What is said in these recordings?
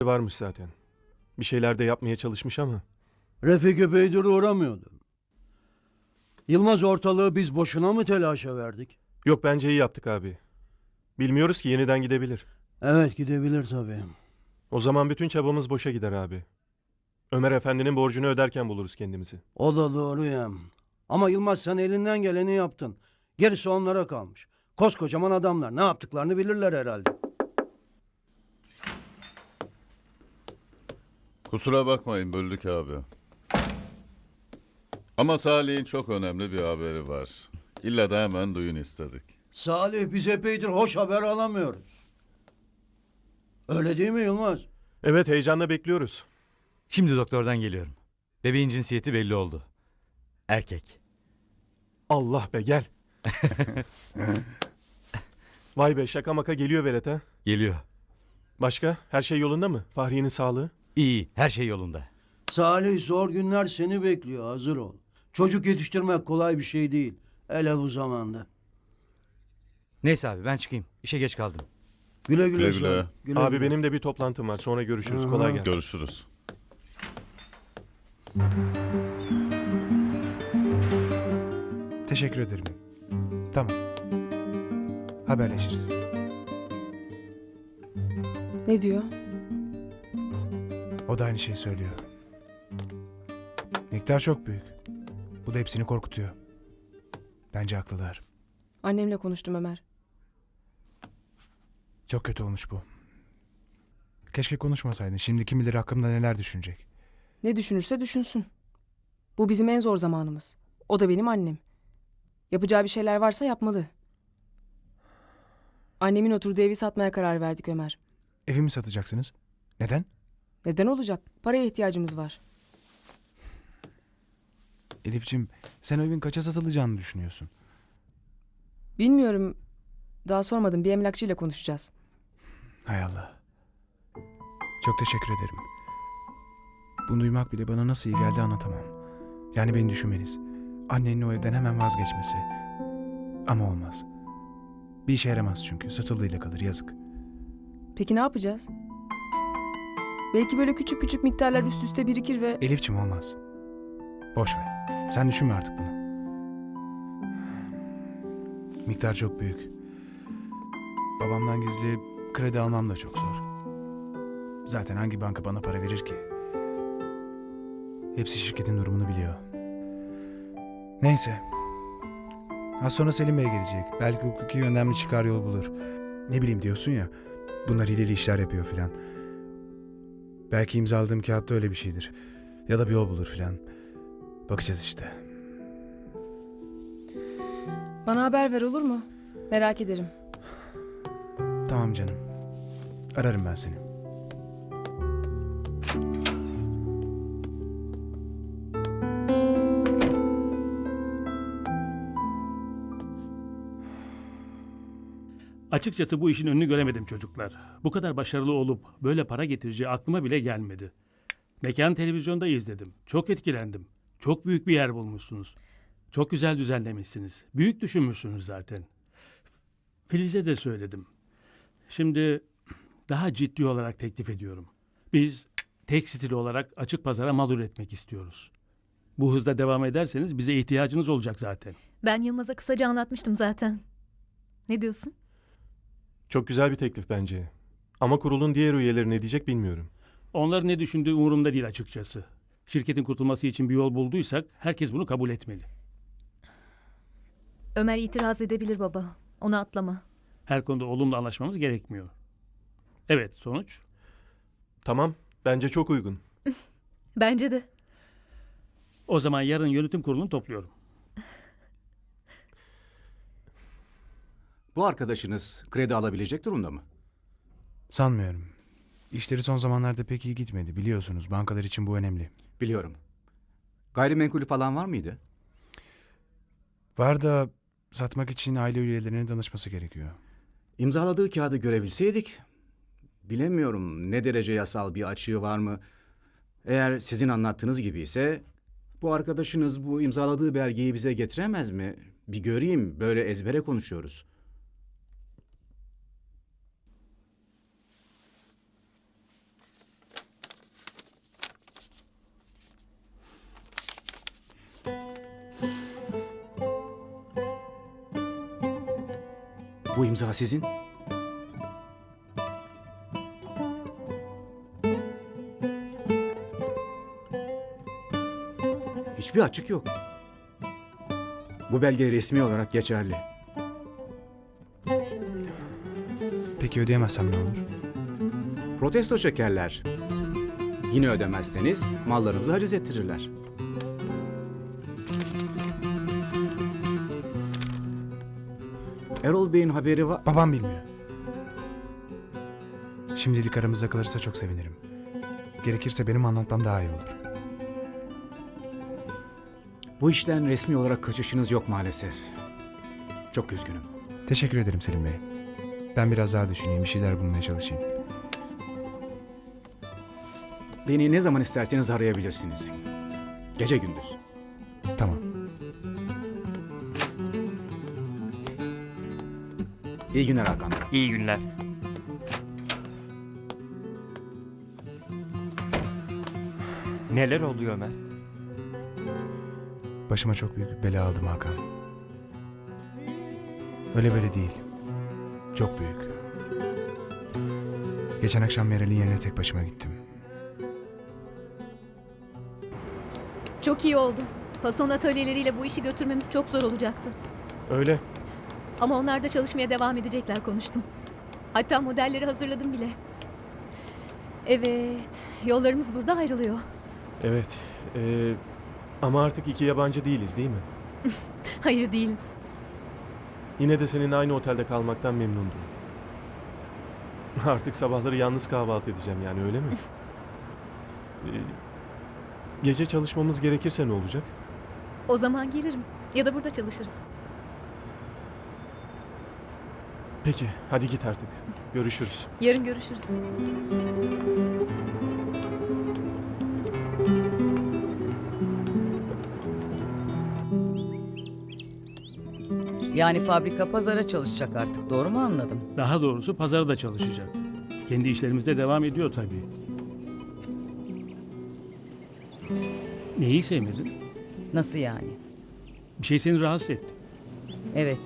varmış zaten. Bir şeyler de yapmaya çalışmış ama. Refik epeydir uğramıyordu. Yılmaz ortalığı biz boşuna mı telaşa verdik? Yok, bence iyi yaptık abi. Bilmiyoruz ki, yeniden gidebilir. Evet, gidebilir tabii. O zaman bütün çabamız boşa gider abi. Ömer Efendi'nin borcunu öderken buluruz kendimizi. O da doğru ya. Ama Yılmaz, sen elinden geleni yaptın. Gerisi onlara kalmış. Koskocaman adamlar, ne yaptıklarını bilirler herhalde. Kusura bakmayın böldük abi. Ama Salih'in çok önemli bir haberi var. İlla da hemen duyun istedik. Salih, biz epeydir hoş haber alamıyoruz. Öyle değil mi Yılmaz? Evet, heyecanla bekliyoruz. Şimdi doktordan geliyorum. Bebeğin cinsiyeti belli oldu. Erkek. Allah be, gel. Vay be, şaka maka geliyor velet ha. Geliyor. Başka? Her şey yolunda mı? Fahriye'nin sağlığı? İyi, her şey yolunda. Salih, zor günler seni bekliyor, hazır ol. Çocuk yetiştirmek kolay bir şey değil. Hele bu zamanda. Neyse abi ben çıkayım. İşe geç kaldım. Güle güle. Güle Salih, güle. güle Abi güle. benim de bir toplantım var. Sonra görüşürüz. Aha. Kolay gelsin. Görüşürüz. Teşekkür ederim. Tamam. Haberleşiriz. Ne diyor? O da aynı şeyi söylüyor. Miktar çok büyük. Bu da hepsini korkutuyor. Bence haklılar. Annemle konuştum Ömer. Çok kötü olmuş bu. Keşke konuşmasaydın. Şimdi kim bilir hakkımda neler düşünecek. Ne düşünürse düşünsün. Bu bizim en zor zamanımız. O da benim annem. Yapacağı bir şeyler varsa yapmalı. Annemin oturduğu evi satmaya karar verdik Ömer. Evimi satacaksınız. Neden? Neden olacak? Paraya ihtiyacımız var. Elif'ciğim, sen o evin kaça satılacağını düşünüyorsun? Bilmiyorum. Daha sormadım. Bir emlakçıyla konuşacağız. Hay Allah. Çok teşekkür ederim. Bunu duymak bile bana nasıl iyi geldi anlatamam. Yani beni düşünmeniz. Annenin o evden hemen vazgeçmesi. Ama olmaz. Bir işe yaramaz çünkü. Satıldığıyla kalır, yazık. Peki ne yapacağız? Belki böyle küçük küçük miktarlar üst üste birikir ve... Elif'ciğim olmaz. Boş ver. Sen düşünme artık bunu. Miktar çok büyük. Babamdan gizli kredi almam da çok zor. Zaten hangi banka bana para verir ki? Hepsi şirketin durumunu biliyor. Neyse. Az sonra Selim Bey gelecek. Belki hukuki yönden bir çıkar yol bulur. Ne bileyim diyorsun ya. Bunlar hileli işler yapıyor filan. Belki imzaladığım kağıtta öyle bir şeydir. Ya da bir yol bulur filan. Bakacağız işte. Bana haber ver, olur mu? Merak ederim. Tamam canım. Ararım ben seni. Açıkçası bu işin önünü göremedim çocuklar. Bu kadar başarılı olup böyle para getireceği aklıma bile gelmedi. Mekan televizyonda izledim. Çok etkilendim. Çok büyük bir yer bulmuşsunuz. Çok güzel düzenlemişsiniz. Büyük düşünmüşsünüz zaten. Filiz'e de söyledim. Şimdi daha ciddi olarak teklif ediyorum. Biz tekstil olarak açık pazara mal üretmek istiyoruz. Bu hızda devam ederseniz bize ihtiyacınız olacak zaten. Ben Yılmaz'a kısaca anlatmıştım zaten. Ne diyorsun? Çok güzel bir teklif bence. Ama kurulun diğer üyeleri ne diyecek bilmiyorum. Onların ne düşündüğü umurumda değil açıkçası. Şirketin kurtulması için bir yol bulduysak herkes bunu kabul etmeli. Ömer itiraz edebilir baba. Onu atlama. Her konuda olumlu anlaşmamız gerekmiyor. Evet, sonuç? Tamam, bence çok uygun. Bence de. O zaman yarın yönetim kurulunu topluyorum. Bu arkadaşınız kredi alabilecek durumda mı? Sanmıyorum. İşleri son zamanlarda pek iyi gitmedi. Biliyorsunuz bankalar için bu önemli. Biliyorum. Gayrimenkulü falan var mıydı? Var da satmak için aile üyelerine danışması gerekiyor. İmzaladığı kağıdı görebilseydik. Bilemiyorum ne derece yasal bir açığı var mı? Eğer sizin anlattığınız gibi ise bu arkadaşınız bu imzaladığı belgeyi bize getiremez mi? Bir göreyim, böyle ezbere konuşuyoruz. Bu imza sizin. Hiçbir açık yok. Bu belge resmi olarak geçerli. Peki ödeyemezsem ne olur? Protesto çekerler. Yine ödemezseniz mallarınızı haciz ettirirler. Erol Bey'in haberi var. Babam bilmiyor. Şimdilik aramızda kalırsa çok sevinirim. Gerekirse benim anlatmam daha iyi olur. Bu işten resmi olarak kaçışınız yok maalesef. Çok üzgünüm. Teşekkür ederim Selim Bey. Ben biraz daha düşüneyim, bir şeyler bulmaya çalışayım. Beni ne zaman isterseniz arayabilirsiniz. Gece gündüz. Tamam. İyi günler Hakan Bey. İyi günler. Neler oluyor Ömer? Başıma çok büyük bir bela aldım Hakan. Öyle böyle değil. Çok büyük. Geçen akşam Meral'in yerine tek başıma gittim. Çok iyi oldu. Fason atölyeleriyle bu işi götürmemiz çok zor olacaktı. Öyle. Ama onlar da çalışmaya devam edecekler konuştum. Hatta modelleri hazırladım bile. Evet, yollarımız burada ayrılıyor. Evet. Ama artık iki yabancı değiliz değil mi? Hayır değiliz. Yine de senin aynı otelde kalmaktan memnundum. Artık sabahları yalnız kahvaltı edeceğim yani öyle mi? Gece çalışmamız gerekirse ne olacak? O zaman gelirim. Ya da burada çalışırız. Peki hadi git artık. Görüşürüz. Yarın görüşürüz. Yani fabrika pazara çalışacak artık, doğru mu anladım? Daha doğrusu pazarda çalışacak. Kendi işlerimizde devam ediyor tabii. Neyi sevmedin? Nasıl yani? Bir şey seni rahatsız etti. Evet.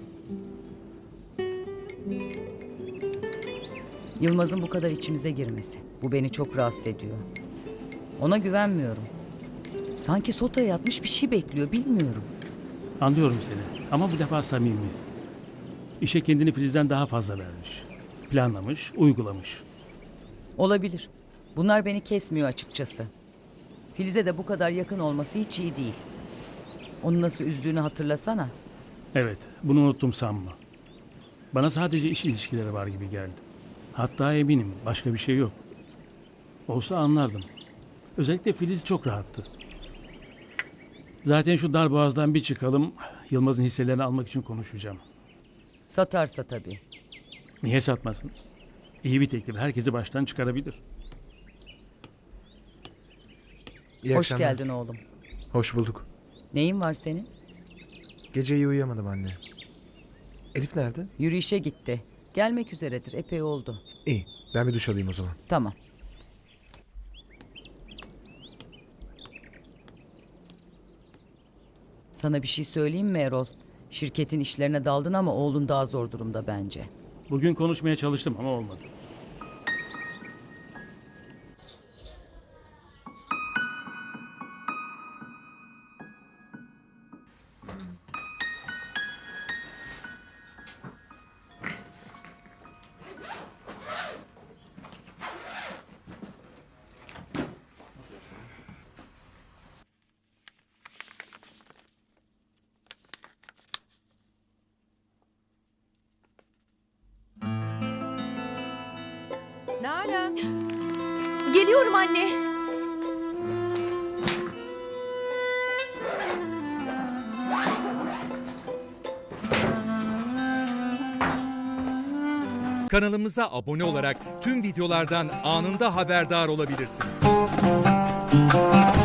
Yılmaz'ın bu kadar içimize girmesi. Bu beni çok rahatsız ediyor. Ona güvenmiyorum. Sanki sotaya yatmış bir şey bekliyor, bilmiyorum. Anlıyorum seni ama bu defa samimi. İşe kendini Filiz'den daha fazla vermiş. Planlamış, uygulamış. Olabilir. Bunlar beni kesmiyor açıkçası. Filiz'e de bu kadar yakın olması hiç iyi değil. Onu nasıl üzdüğünü hatırlasana. Evet, bunu unuttum sanma. Bana sadece iş ilişkileri var gibi geldi. Hatta eminim başka bir şey yok. Olsa anlardım. Özellikle Filiz çok rahattı. Zaten şu darboğazdan bir çıkalım, Yılmaz'ın hisselerini almak için konuşacağım. Satarsa tabii. Niye satmasın? İyi bir teklif, herkesi baştan çıkarabilir. İyi Hoş akşamlar. geldin oğlum. Hoş bulduk. Neyin var senin? Gece iyi uyuyamadım anne. Elif nerede? Yürüyüşe gitti. Gelmek üzeredir, epey oldu. İyi. Ben bir duş alayım o zaman. Tamam. Sana bir şey söyleyeyim mi Erol? Şirketin işlerine daldın ama oğlun daha zor durumda bence. Bugün konuşmaya çalıştım ama olmadı. Nalan. Geliyorum anne. Kanalımıza abone olarak tüm videolardan anında haberdar olabilirsiniz.